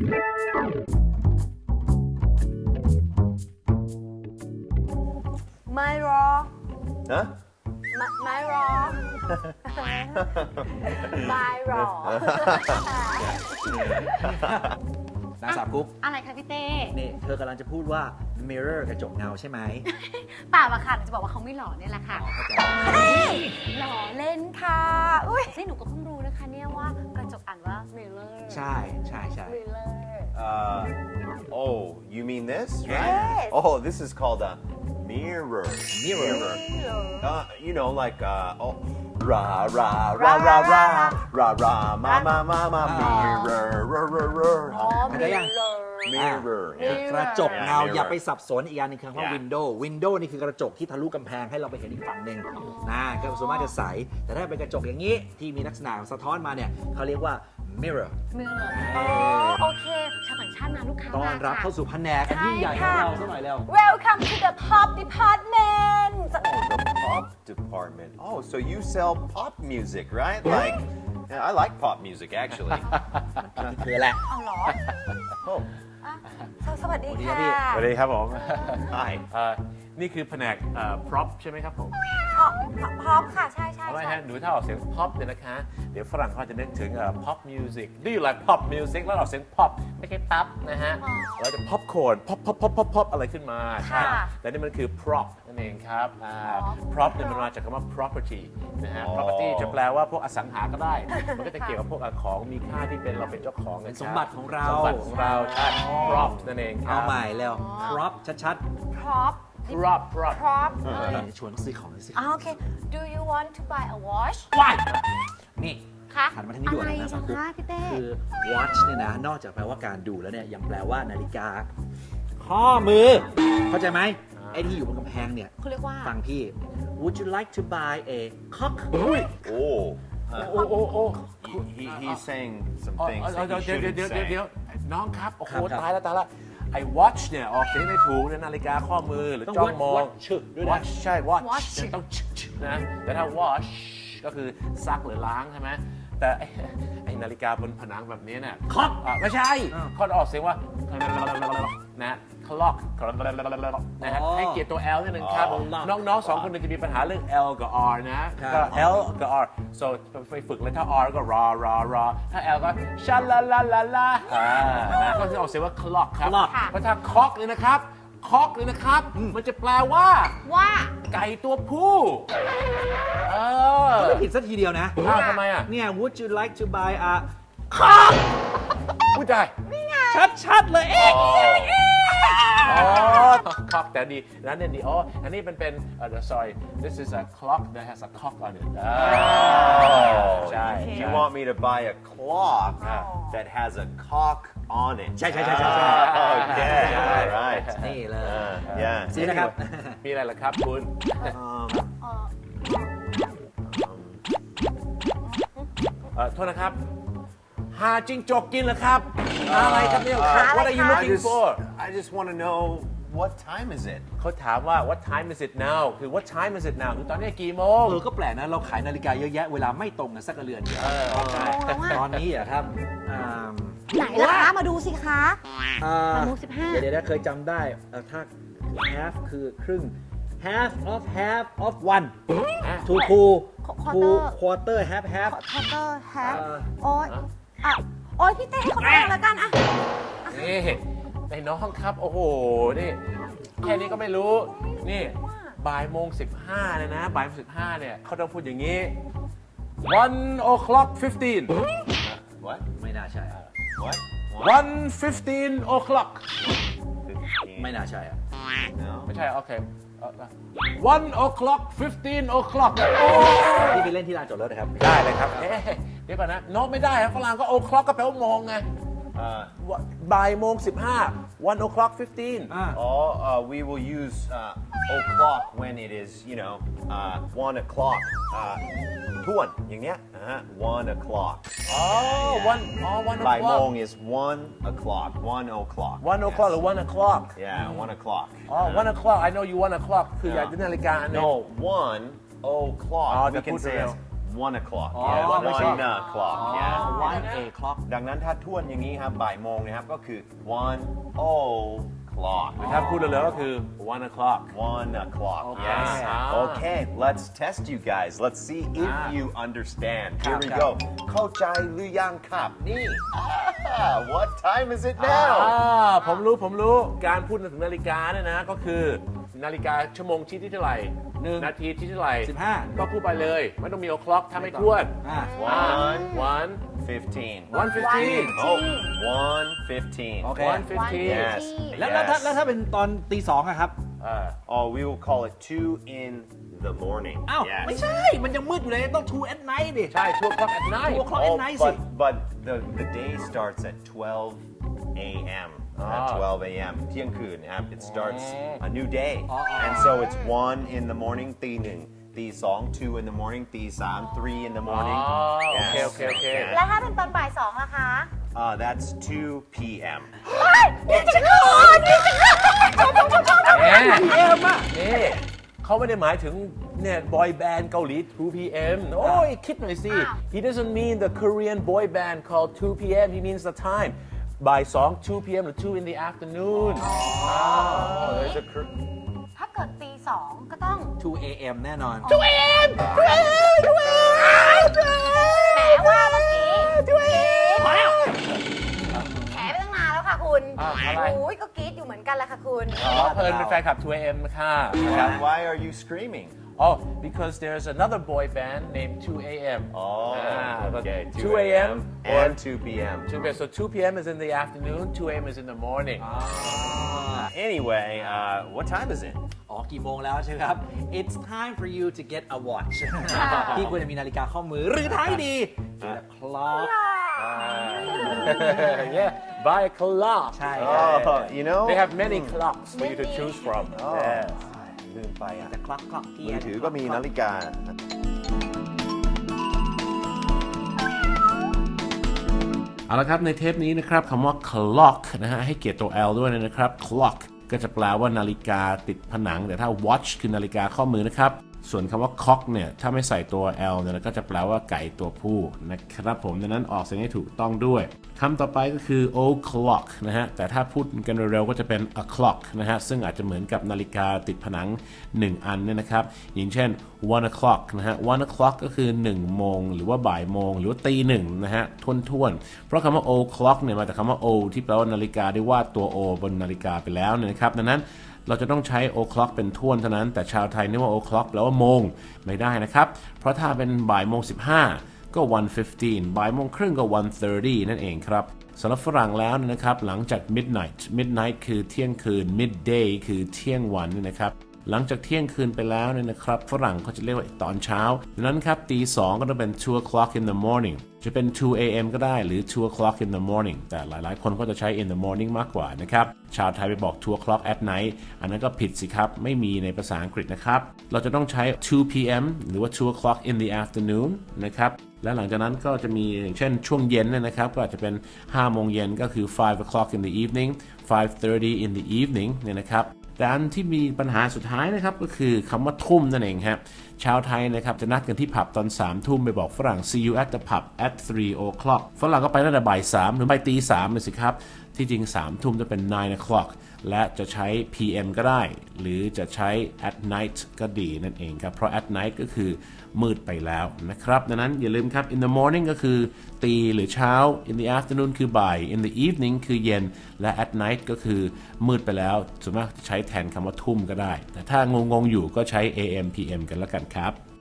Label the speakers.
Speaker 1: ไม่รอ
Speaker 2: Huh?
Speaker 1: ไม่รอ ไม่รอ
Speaker 3: นางสาวกุ๊ก
Speaker 1: อะไรคะพี่เต้
Speaker 3: นี่เธอกำลังจะพูดว่า mirror กระจกเงาใช่ไหม
Speaker 1: เปล่าอะค่ะหนูจะบอกว่าเขาไม่หล่อเนี่ยแหละค่ะ
Speaker 3: เข้าใจ
Speaker 1: หล่อเล่นค่ะ อุ้ยนี่หนูก็เพิ่งรู้นะคะเนี่ยว่ากระจกอ่านว่า mirror
Speaker 3: ใช่ใช่ใช่
Speaker 1: mirror
Speaker 2: Oh, you mean this,
Speaker 1: Yes.
Speaker 2: right? Oh, this is called a mirror.
Speaker 3: Mirror.
Speaker 2: You know, like oh, ra ra ra ra ra ra ra ma ma ma ma mirror,
Speaker 1: อ๋อ
Speaker 3: เข้าใจยัง
Speaker 2: mirror.
Speaker 3: กระจกเงา
Speaker 2: Mirror
Speaker 3: อย่าไปสับสนอีกอย่างหนึงคือคำว่า
Speaker 2: Yeah.
Speaker 3: window นี่คือกระจกที่ทะลุกำแพงให้เราไปเห็นอีกฝั่งหนึ่งนะก็ส่วนมากจะใสแต่ถ้าเป็นกระจกอย่างนี้ที่มีลักษณะสะท้อนมาเนี่ยเขาเรียกว่า mirror
Speaker 1: mirror อ๋อโอเคชาวต่างชาติมาลูกค้า
Speaker 3: ต้อน
Speaker 1: มา
Speaker 3: รับ
Speaker 1: ค่ะ
Speaker 3: เข้าสู่แผนกอันยิ่งใหญ่ของเราสักหน่อยแล้ว
Speaker 1: Welcome to the pop department
Speaker 2: The pop department. Oh, so you sell pop music, right? Like, yeah, I like pop music actually.
Speaker 3: เธอแหละ
Speaker 1: เอาเหรอ
Speaker 2: Oh,
Speaker 1: อ่ะสวัสดี
Speaker 3: สวัสดี
Speaker 1: ค่ะ
Speaker 3: ครับพี่
Speaker 4: สวัสดีครับผม
Speaker 2: hi.
Speaker 4: นี่คือแผนกprop ใช่ไหมครับผม
Speaker 1: พร้อมค่ะ ใช่ใช่
Speaker 4: เอาไว้
Speaker 1: ใช่
Speaker 4: ฮะหนูถ้าออกเสียง pop เนี่ยนะคะ เดี๋ยวฝรั่งเขาจะนึกถึงpop music Do you like pop music แล้วออกเสียง pop ไม่ใช่ปั๊บนะฮะเราจะ popcorn pop pop pop pop pop อะไรขึ้นมาใช่แต่นี่มันคือ prop นั่นเองครับprop เนี่ยมันมาจากคำว่า property นะฮะ property จะแปลว่าพวกอสังหาก็ได้ มันก็จะเกี่ยวกับพวกของมีค่าที่เป็นเราเป็นเจ้าของ
Speaker 3: เป็นสมบัติของเรา
Speaker 4: สมบัติของเราใช่ prop นั่นเองครั
Speaker 3: เอา
Speaker 4: บ
Speaker 3: ใหม่แล้ว prop ชัด
Speaker 1: prop
Speaker 4: prop prop
Speaker 1: prop
Speaker 3: ๆชวนเขาซื้อของซื้อ
Speaker 1: โอเค Do you want to buy a watch
Speaker 3: ว้ายนี่
Speaker 1: คะ
Speaker 3: หันมาทางนี้ด่วน
Speaker 1: อะไร
Speaker 3: นะสาวกุ๊ก
Speaker 1: คะพี่เต้
Speaker 3: คือ watch เนี่ยนะ นอกจากแปลว่าการดูแล้วเนี่ยยังแปลว่านาฬิกา ข้อมือ เข้าใจไหมไอ้ที่อยู่บนกำแพงเนี่ย
Speaker 1: เขาเรียกว่า
Speaker 3: ฟังพี่ Would you like to buy a cock
Speaker 2: Oh,
Speaker 4: โอ้โอ้โอ้
Speaker 2: he's saying some
Speaker 4: เดี๋
Speaker 2: things that he
Speaker 4: ยว
Speaker 2: shouldn't
Speaker 4: เดี๋ยว
Speaker 2: say.
Speaker 4: น้องครับ โอ้โห
Speaker 3: ครับ
Speaker 4: ตายแล้วไอ้ watch เนี่ยออกเสียงไม่ถูกเนี่ยนาฬิกาข้อมือหรือจ้องมอง
Speaker 3: watch ด้วยนะ
Speaker 4: watch ใช่ watch
Speaker 1: watch
Speaker 4: เนี่ยต้องนะแต่ถ้า wash ก็คือซักหรือล้างใช่ไหมแต่ไอ้นาฬิกาบนผนังแบบนี้เนี่ย
Speaker 3: clock
Speaker 4: ไม่ใช่
Speaker 3: อ้าว
Speaker 4: เขาออกเสียงว่านะ clock นะฮะ
Speaker 3: อ๋อ
Speaker 4: ให้เกียรติตัว L นิดนึงครับ
Speaker 3: อ๋อ
Speaker 4: น้องๆสองคนจะมีปัญหาเรื่อง L กับ R นะ ก็ L กับ R so ไปฝึกเลยถ้า R ก็รอถ้า L ก็ชาลาลาลาลานะก็จะออกเสียงว่า clock ครับ
Speaker 3: clock
Speaker 4: เพราะถ้า cock เลยนะครับ cock เลยนะครับ มันจะแปลว่า
Speaker 1: ว่า
Speaker 4: ไก่ตัวผู้
Speaker 3: ไม่ผิดสักทีเดียวนะ
Speaker 4: อ้าวทำไมอ่ะ
Speaker 3: เนี่ย Would you like to buy a
Speaker 4: พูดได้
Speaker 3: ชัดๆเลยเอ๊ะ
Speaker 4: อ๋อ cock แต่ดีแล้วเนี่ยดีอ๋ออันนี้เป็นsorry this is a clock that has a cock on it
Speaker 2: Oh,
Speaker 4: ใช่
Speaker 2: you want me to buy a clock that has a cock on it?
Speaker 3: ใช่
Speaker 2: Okay, all right.
Speaker 3: นี่เลย
Speaker 2: Yeah.
Speaker 3: ซื้อนะครับ
Speaker 4: มีอะไรล่ะครับคุณ โทษนะครับ หาจิ้งจกกินเหรอครับหาอะไรครับเนี่ย What are you
Speaker 2: I
Speaker 4: looking for
Speaker 2: I just want to know what time is it?
Speaker 4: เขาถามว่า What time is it now คือ What time is it now คือตอนนี้กี่โมง
Speaker 3: ก็แปลกนะ เราขายนาฬิกาเยอะแยะ เวลาไม่ตรงกันสักกระเรือนเดียว
Speaker 4: ใช่
Speaker 3: ตอนนี้อะครับ
Speaker 1: ไหนล่ะคะ มาดูสิคะ
Speaker 3: อ่า
Speaker 1: อนุ15
Speaker 3: เดี๋ยวเคยจำได้ถ้า half คือครึ่ง half of one to quarter half
Speaker 1: quarter half
Speaker 3: เอ่อ
Speaker 1: โอ๊ยโอ๊ยพี่เต้ให้เขาดูแล้วกันอะ
Speaker 4: นี่ไอ้น้องครับ โอ้โห นี่ แค่นี้ก็ไม่รู้ นี่บ่ายโมง15เลยนะบ่ายโมง15เนี่ยเขาต้องพูดอย่างนี้ 1:15
Speaker 2: What?
Speaker 3: ไม่น่าใช่
Speaker 2: What?
Speaker 4: 1:15
Speaker 3: ไม่น่าใช่อะ
Speaker 2: No.
Speaker 4: ไม่ใช่ โอเค1:15
Speaker 3: ที่ไปเล่นที่ลานจอดรถนะครับ
Speaker 4: ได้เลยครับ เดี๋ยวก่อนนะโน้ตไม่ได้ครับฝรั่งก็ o'clock ก็แปลว่ามองไงบ่ายโมง15 1:15
Speaker 2: We will use o'clock when it is, 1 o'clock. ทวนอย่างเงี้ย1 o'clock.
Speaker 4: 1
Speaker 2: บ่ายโมง
Speaker 4: o'clock
Speaker 2: is 1 o'clock. 1 o'clock.
Speaker 4: 1 o'clock หรือ 1 o'clock
Speaker 2: Yeah, 1 o'clock.
Speaker 4: 1 o'clock I know you 1 o'clock คืออยากได้นาฬิกาอันหนึง
Speaker 2: No, 1 o'clock. We
Speaker 4: the
Speaker 2: can
Speaker 4: put
Speaker 2: say
Speaker 4: real.
Speaker 2: it's 1 o'clock
Speaker 3: อ๋อ
Speaker 2: yeah,
Speaker 3: ไม่ใช่
Speaker 2: 1 o'clock yeah
Speaker 3: one o'clock
Speaker 2: ดังนั้นถ้าทวนอย่างนี้ครับบ่ายโมงนะครับก็คือ 1 o'clock
Speaker 4: ถ้าพูดเร็วๆก็คือ 1 o'clock
Speaker 2: 1 o'clock
Speaker 3: Okay.
Speaker 2: yes
Speaker 4: Ah.
Speaker 2: okay let's test you guys let's see if you understand here we go เข้าใจหรือยังครับนี่ what time is it now
Speaker 4: ผมรู้การพูดถึงนาฬิกาเนี่ยนะก็คือนาฬิกาชั่วโมงชี้ที่เท่าไหร่
Speaker 3: 1
Speaker 4: นาทีที่เท่าไหร่
Speaker 3: 15
Speaker 4: ก็พูดไปเลย ไม่ต้องมี o'clock ถ้าไม่ทวน
Speaker 2: 1
Speaker 4: 1
Speaker 2: 15
Speaker 4: 1:15
Speaker 2: oh 1:15
Speaker 3: โอเค
Speaker 4: 1:15
Speaker 2: yes
Speaker 3: แล้วถ้าเป็นตอนตีสองอะครับ
Speaker 2: oh we will call it 2 in the morning
Speaker 3: อ้าว
Speaker 2: yes
Speaker 3: ไม่ใช่ มันยังมืดอยู่เลยต้อง two at night ดิ
Speaker 4: ใช่ 2 o'clock at night
Speaker 3: 2 o'clock at night สิ
Speaker 2: but the day starts at 12 a.m. At 12 a.m. เที่ยงคืนนะครับ it starts a new day and so it's 1 in the morning ตี 1 ตี 2 2 in the morning ตี 3 3 in the morning
Speaker 4: โอเค
Speaker 2: Yes.
Speaker 4: โอเคโอเค
Speaker 2: Yeah.
Speaker 1: แล้วถ้าเป็นตอนบ่าย2ล่ะคะ
Speaker 2: That's 2 p.m.
Speaker 1: นี่จะก่อนนี่จะก่อน
Speaker 4: แหม
Speaker 3: PM อะ
Speaker 4: นี่เขาไม่ได้หมายถึงเนี่ยบอยแบนด์เกาหลี 2 p.m. โอ้ยคิดหน่อยสิ he doesn't mean the Korean boy band called 2 p.m. he means the time บ่าย 2 2 p.m. หรือ 2 in the afternoon
Speaker 2: Oh, there's a
Speaker 1: ถ้าเกิดตี2ก็ต้อง
Speaker 3: 2 AM แน่นอน
Speaker 1: แหมว่าเมื่อกี้พอแล้วแผลไปตั้งนานแล้วค่ะคุณ
Speaker 4: อะไร
Speaker 1: โอ้ยก็กรี๊ดอยู่เหมือนกันแหละค่ะคุณ
Speaker 4: อ๋อเพลินเป็นแฟนคลับ 2 a.m. ค่ะ
Speaker 2: why are you screaming?
Speaker 4: Oh because there's another boy band named 2 a.m.
Speaker 2: Oh, okay.
Speaker 4: 2 a.m.
Speaker 2: and 2 p.m.
Speaker 4: 2 p.m. So 2 p.m. is in the afternoon, 2 a.m. is in the morning.
Speaker 2: Anyway, what time is it?
Speaker 3: อ๋อกี่โมงแล้วใช่ไหมครับ It's time for you to get a watch ที่ควรจะมีนาฬิกาข้อมือหรือท้ายดี get a clock
Speaker 4: Yeah, buy a clock.
Speaker 3: ใช่ครับ
Speaker 2: Oh, you know,
Speaker 4: They have many clocks for you to choose from. Yeah.
Speaker 2: ลืมไปอ่ะ
Speaker 3: แต่ clock ที่
Speaker 2: มือถือก็มีนาฬิกา
Speaker 4: เอาละครับในเทปนี้นะครับคำว่า clock นะฮะให้เกียรติตัว L ด้วยนะครับ clock ก็จะแปลว่านาฬิกาติดผนังแต่ถ้า watch คือนาฬิกาข้อมือนะครับส่วนคำว่า cock เนี่ยถ้าไม่ใส่ตัว L เนี่ยก็จะแปลว่าไก่ตัวผู้นะครับผมดังนั้นออกเสียงให้ถูกต้องด้วยคำต่อไปก็คือ o'clock นะฮะแต่ถ้าพูดกันเร็วๆก็จะเป็น o'clock นะฮะซึ่งอาจจะเหมือนกับนาฬิกาติดผนัง1อันเนี่ยนะครับอย่างเช่น 1 o'clock นะฮะ 1 o'clock ก็คือ1โมงหรือว่าบ่ายโมงหรือว่าตีหนึ่งนะฮะท่วนๆเพราะคำว่า o'clock เนี่ยมาจากคำว่า o ที่แปลว่านาฬิกาได้วาดตัว o บนนาฬิกาไปแล้วเนี่ยนะครับดังนั้นเราจะต้องใช้ o'clock เป็นท่วนเท่านั้นแต่ชาวไทยนึกว่า o'clock แปลว่าโมงไม่ได้นะครับเพราะถ้าเป็นบ่ายโมง15ก็ 1:15 บ่ายโมงครึ่งก็ 1:30 นั่นเองครับสำหรับฝรั่งแล้วนะครับหลังจาก midnight คือเที่ยงคืน midday คือเที่ยงวันนะครับหลังจากเที่ยงคืนไปแล้วเนี่ยนะครับฝรั่งเขาจะเรียกว่าตอนเช้าดังนั้นครับตี 2ก็ต้องเป็น 2 o'clock in the morning จะเป็น 2 a.m. ก็ได้หรือ 2 o'clock in the morning แต่หลายๆคนก็จะใช้ in the morning มากกว่านะครับชาวไทยไปบอก 2 o'clock at night อันนั้นก็ผิดสิครับไม่มีในภาษาอังกฤษนะครับเราจะต้องใช้ 2 p.m. หรือว่า 2 o'clock in the afternoon นะครับและหลังจากนั้นก็จะมีอย่างเช่นช่วงเย็นนะครับก็อาจจะเป็น5โมงเย็นก็คือ 5 o'clock in the evening 5:30 in the evening เนี่ยนะครับแต่อันที่มีปัญหาสุดท้ายนะครับก็คือคำว่าทุ่มนั่นเองครับชาวไทยนะครับจะนัดกันที่ผับตอน3 ทุ่มไปบอกฝรั่ง see you at the pub at 3 o'clock ฝรั่งก็ไปตั้งแต่บ่าย3หรือไปตี3เลยสิครับที่จริง3 ทุ่มจะเป็น 9 o'clock และจะใช้ PM ก็ได้หรือจะใช้ at night ก็ดีนั่นเองครับเพราะ at night ก็คือมืดไปแล้วนะครับดังนั้นอย่าลืมครับ in the morning ก็คือตีหรือเช้า in the afternoon คือบ่าย in the evening คือเย็นและ at night ก็คือมืดไปแล้วส่วนมากใช้แทนคำว่าทุ่มก็ได้แต่ถ้างงๆอยู่ก็ใช้ AM PM กันแล้วกันครับ